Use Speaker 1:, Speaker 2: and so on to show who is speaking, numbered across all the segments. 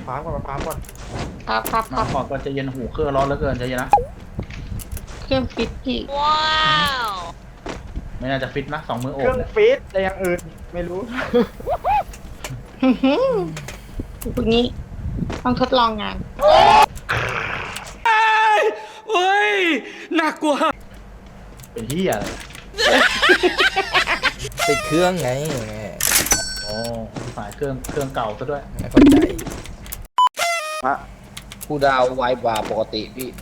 Speaker 1: ฟาร์มก่อนมาฟาร์มก่อน
Speaker 2: ครับ
Speaker 3: มาก่อนก็จะเย็นหูเครื่องร้อนเหลือเกินใจเย็นนะ
Speaker 2: เครื่องฟิตพี่
Speaker 3: ไม่น่าจะฟิตนะ2 มือโอ
Speaker 1: เครื่
Speaker 3: บ
Speaker 1: อง
Speaker 3: เนี่ย
Speaker 1: ฟีดแต่อย่างอื่นไม่รู้
Speaker 2: พวกนี้ต้องทดลองงาน
Speaker 4: เฮ้ยน่ากลัว
Speaker 3: เป็นที่อะไร
Speaker 5: ติดเครื่องไง
Speaker 3: โอ้สายเครื่องเก่าซะด้วย
Speaker 5: ไม่เข้าใจ
Speaker 6: ผู้ดาวไวกว่าปกติพี่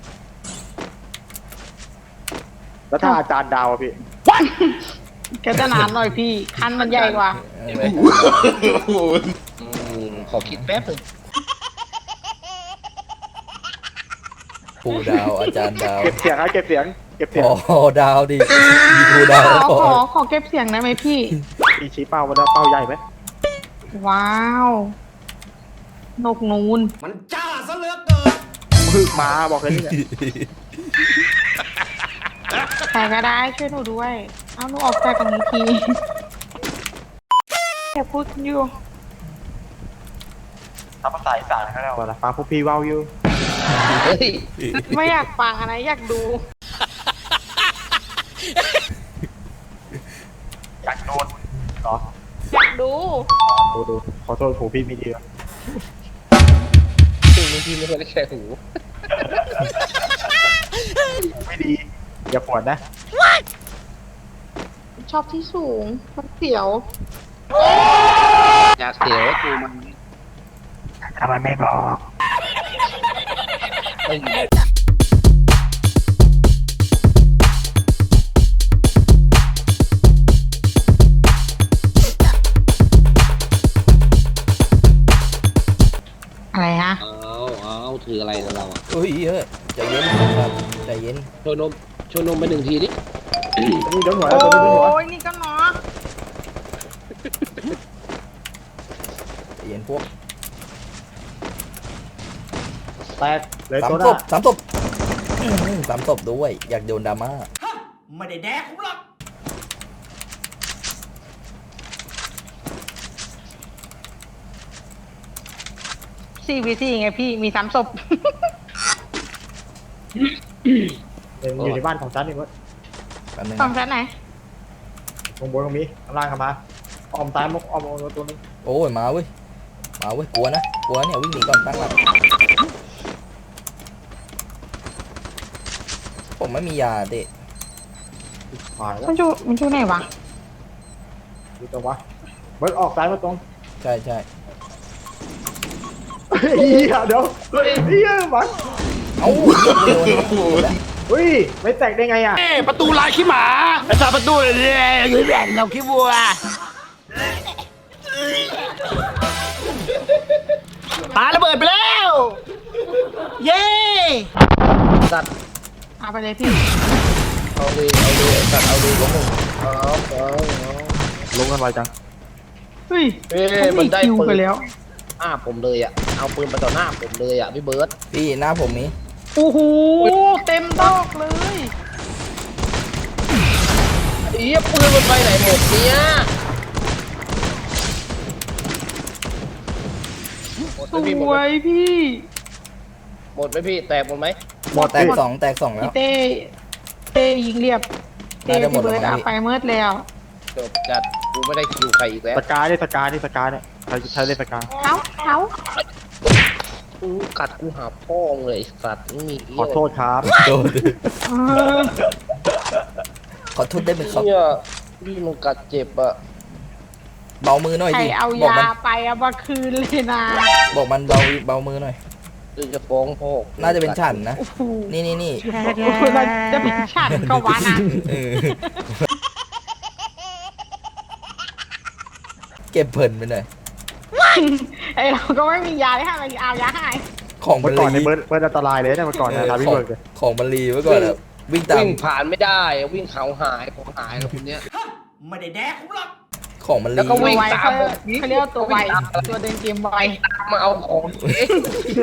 Speaker 1: แล้วถ้าอาจารย์ดาวอะพี่
Speaker 2: แกจะนานหน่อยพี่ คันมันใหญ่กว่า
Speaker 6: ใช่ไหมขอคิดแป๊บหนึง
Speaker 5: ครูดาวอาจารย์ดาว
Speaker 1: เก็บเสียงนะเก็บเสียงเก็บเสียง
Speaker 5: พอดาวดิมีครูดาวแล้วพอ
Speaker 2: ขอเก็บเสียงได้ไหมพี่
Speaker 1: มีชี้เป้ามาแล้วเป้าใหญ่ไหม
Speaker 2: ว้าวนกนูน
Speaker 4: มันจ้าซะเหลือเกิน
Speaker 1: มึกมาบอกเลยนี่แหละ
Speaker 2: ใครก็ได้ช่วยหนูด้วย เอาหนูออกจากตรงนี้ทีแต่พูดอยู่
Speaker 1: ทำภาษาอีสานเขาแล้วนะฟังพวกพี่เว้าอยู่
Speaker 6: เฮ้ย
Speaker 2: ไม่อยากฟังอะไรอยากดู
Speaker 1: อยากโดนเหรอ
Speaker 2: อยากดู
Speaker 1: ดูขอโทษผูพี่ไม่ดีนะ
Speaker 6: จริงบางทีไม่ค่อยได้แค่หู
Speaker 1: ไม่ดีอย่าปวดนะ
Speaker 2: ชอบที่สูงมันเสียว
Speaker 6: อยากเสียวกูมัน
Speaker 1: ทำไมไม่บอก
Speaker 6: ไม่มี
Speaker 2: อะไรฮะ
Speaker 6: เอาถืออะไรกับเราอ่ะ
Speaker 5: เฮ้ยเฮ้ยใจเย็นครับใจเย็น
Speaker 6: โชว์นมไป1 ทีดิ
Speaker 1: นี่โดนหัว
Speaker 2: โอ
Speaker 1: แล้วตัวนี้โดนหัว้
Speaker 2: ยนี่ก็เนาะ
Speaker 5: ใจเย็นพวก
Speaker 1: แตกเลย
Speaker 5: สาม
Speaker 1: ตัวห
Speaker 5: ศ
Speaker 1: น้า
Speaker 5: พ3 ศพ3 ศพด้วย อยากโดนดราม่า
Speaker 4: ไม่ได้แดกผมหรอก
Speaker 2: 4v4ไงพี่มี3ศพ
Speaker 1: อยู่ในบ้านของฉันนี่มั้ง
Speaker 5: แป๊บนึง
Speaker 2: ฝั่ง
Speaker 5: นะ
Speaker 2: ชั้นไหน
Speaker 1: ตรงบนตรงนี้ข้างล่างเข้ามาออมตายมุกออมตัวนึง
Speaker 5: โอ้ยมาเว้ยกลัวนะกลัวเนี่ยวิ่งหนีก่อนตั้งหลักผมไม่มียาเด็
Speaker 1: หายแล้ว
Speaker 2: มันอยู่ไหนวะ
Speaker 1: ดูตัววะเบิร์ดออกซ้ายมาตรง
Speaker 5: ใช่ใช่
Speaker 1: เฮ้ยเดี๋ยวเฮ้ยมัน
Speaker 5: เอ้าไม่โดน
Speaker 1: เฮ้ยไม่แตกได้ไงอ่ะ
Speaker 4: ประตูลายขี้หมาไอ้สาประตูเลยยืนแหวนเราขี้วัวปาระเบิดไปแล้ว เย้
Speaker 6: สัตว์
Speaker 2: เอาไปเลยพี่
Speaker 6: เอาเลยสัตว์เอาเลยของมึงเอา
Speaker 1: ลงกันไวจัง
Speaker 2: เฮ้ย
Speaker 6: เอ้ยมันได้
Speaker 2: คิว
Speaker 6: ปื
Speaker 2: ไป
Speaker 6: น
Speaker 2: แล้ว
Speaker 6: หน้าผมเลยอ่ะเอาปืนไปต่อหน้าผมเลยอ่ะพี่เบิร์ต
Speaker 5: พี่หน้าผมนี้
Speaker 2: โอ้โหเต็มดอกเลย
Speaker 6: เอี้ยปืนมันไปไหนหมดเนี่ยหมด
Speaker 2: ส
Speaker 6: ไหมพี่หมด
Speaker 2: ว
Speaker 6: ไหม
Speaker 2: ยพี่
Speaker 6: หมดไหมพี่แตกหมดไหม
Speaker 1: หมด
Speaker 5: แตกสองแตก2แล้
Speaker 2: พี่
Speaker 5: ว
Speaker 2: เต้ยิงเรียบเต้
Speaker 5: น่าจะหมด
Speaker 2: พี่เบิร์ด
Speaker 5: แล้วมั้
Speaker 2: เอา
Speaker 5: งพี่
Speaker 2: ไปเมื่อแล้ว
Speaker 6: จบจัดกูไม่ได้คิวใครอีกแล้ว
Speaker 1: สกายเนี่ยใครเล่นสกาย
Speaker 2: เขา
Speaker 6: กูกัดกูหาพ่อมึงเลยไอ้สัตว์ไม่มี
Speaker 1: ขอโทษครับ
Speaker 5: โดน
Speaker 2: เออ
Speaker 5: ขอโทษได้ไหมครับ
Speaker 6: เนี่ยพี่มันกัดเจ็บอ่ะ
Speaker 5: เบามือหน่อย
Speaker 2: ใคร
Speaker 5: ดิ
Speaker 2: เอา
Speaker 5: บอก
Speaker 2: ยา
Speaker 5: มัน
Speaker 2: ไปเอามาคืนเลยนะ
Speaker 5: บอกมันเบามือหน่อย
Speaker 6: คือจะฟ้องพ่อ
Speaker 5: น่าจะเป็นฉันนะ
Speaker 2: โอ้โห
Speaker 5: นี่
Speaker 2: มันจะเป็นฉันก็วานะ
Speaker 5: เออเก็บเพลินไปหน่อย
Speaker 2: ไอเราก็ไม่มียาเลยค่ะเราเอายาให้
Speaker 5: ของมั
Speaker 1: เมื่
Speaker 5: น
Speaker 1: อก่อนใน
Speaker 5: รี
Speaker 1: เบิร์ดอันตรายเลยนะเมื่อก่อนนะทาพี่เบิร์ดเลย
Speaker 5: ของมันรีไว้ก่อนอะวิ่งตาม
Speaker 6: วิ่งผ่านไม่ได้วิ่งเขาหายของหายแล้วคนเนี้ย
Speaker 4: ไม่ได้แดกผมหรอก
Speaker 5: ของมัน
Speaker 6: แล้ว
Speaker 5: รี
Speaker 6: ก็วิ่
Speaker 2: ตัว
Speaker 6: ง
Speaker 2: ไว
Speaker 6: ตาม
Speaker 2: เขาเรียกว่าตัวไวตัวเดินเกมไว
Speaker 6: มาเอาของเอ๊ะ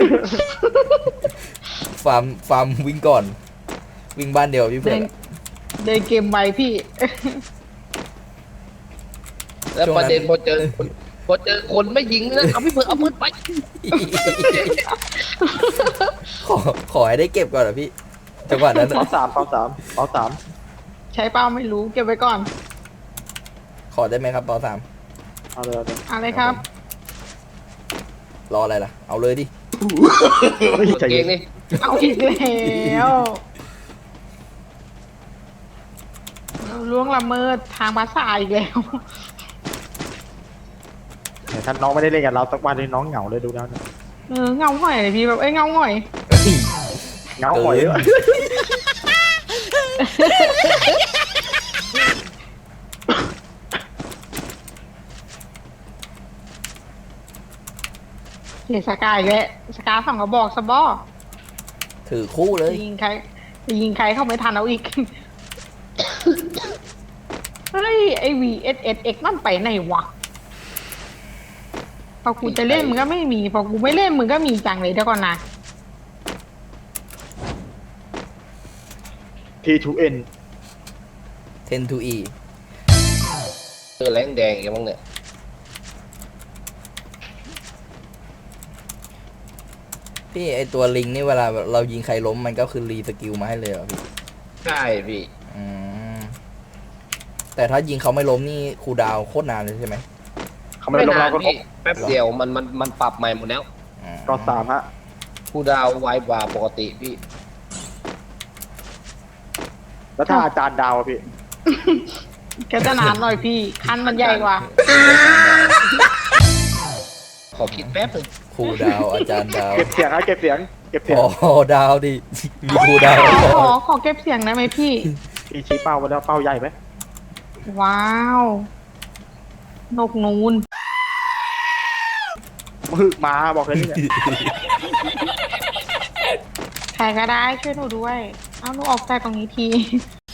Speaker 5: ฟาร์มวิ่งก่อน วิ่งบ้านเดียวพี่เพื่
Speaker 2: เดิ
Speaker 5: อน
Speaker 2: นเดินเกมไวพี่
Speaker 6: แล้วประเด็นพอเจอพอเจอคนไม่ยิงนะเอาพี่เพิ่งเอาปืนไป
Speaker 5: ขอขอให้ได้เก็บก่อนเหรอพี่จังหวะนั้น
Speaker 1: เป้า
Speaker 5: อะ
Speaker 1: สามเป้าสามเป้าสาม
Speaker 2: ใช้เป้าไม่รู้เก็บไว้ก่อน
Speaker 5: ขอได้ไหมครับปอสาม
Speaker 1: เอาเลยเอาเลย
Speaker 2: อะไรครับ
Speaker 5: รออะไรล่ะ เอาเลยดิ
Speaker 1: เฮ้ยใจ
Speaker 6: เก่
Speaker 1: เย็
Speaker 6: ง
Speaker 1: น
Speaker 6: นี่
Speaker 2: เอาอีกแล้วล่วงละเมิดทางภาษาอีกแล้ว
Speaker 1: แต่ถ้าน้องไม่ได้เล่นกับเราสักวันนี้น้องเหงาเลยดูแล้วเนี่ย
Speaker 2: เงาหน่อยเลยพี่แบบเงาหน่อย
Speaker 1: เหงาหอยเลย
Speaker 2: เสียสกายอีกแล้วสกาสองกระบอกสบอ
Speaker 5: ถือคู่เลย
Speaker 2: ยิงใครยิงใครเข้าไม่ทันเอาอีก เฮ้ยไอ VSSX นั่นไปไหนวะ พอกูจะเล่นมึงก็ไม่มี พอกูไม่เล่นมึงก็มีจังเลยเดี๋ยวก่อนนะ
Speaker 1: T2N
Speaker 5: 10 to E
Speaker 6: เจอแรงแดงอย่างมั้งเนี่ย
Speaker 5: พี่ไอตัวลิงนี่เวลาเรายิงใครล้มมันก็คือรีสกิลมาให้เลยเหรอพี่
Speaker 6: ใช่พี่
Speaker 5: อืมแต่ถ้ายิงเขาไม่ล้มนี่คูลดาวน์โคตรนานเลยใช่ไหม
Speaker 1: เขาไม่ได้ลงเราก็
Speaker 6: พี่แป๊บเดียวมันปรับใหม่หมดแล้ว
Speaker 5: อืม
Speaker 1: ก็สามฮะ
Speaker 6: ผู้ดาวไวกว่าปกติพี่
Speaker 1: แล้วถ้าอาจารย์ดาวอะพี่
Speaker 2: แกจะนานหน่อยพี่ คันมันใหญ่กว่า
Speaker 6: ขอคิดแป๊บหนึง
Speaker 5: คูลดาวน์อาจารย์ดาว
Speaker 1: เก็บเสียงฮะเก็บเสียงเก็บเสียง
Speaker 5: พอดาวดิมีคูลดาวน์
Speaker 2: ขอเก็บเสียงได้ไหมพี่
Speaker 1: พี่ชี้เป้าไว้แล้วเป้าใหญ่ไหม
Speaker 2: ว้าว นกนูน
Speaker 1: มึกมาบอกเลยนี่เนี่ย
Speaker 2: ใครก็ได้ช่วยหนูด้วย เอาหนูออกจากตรงนี้ที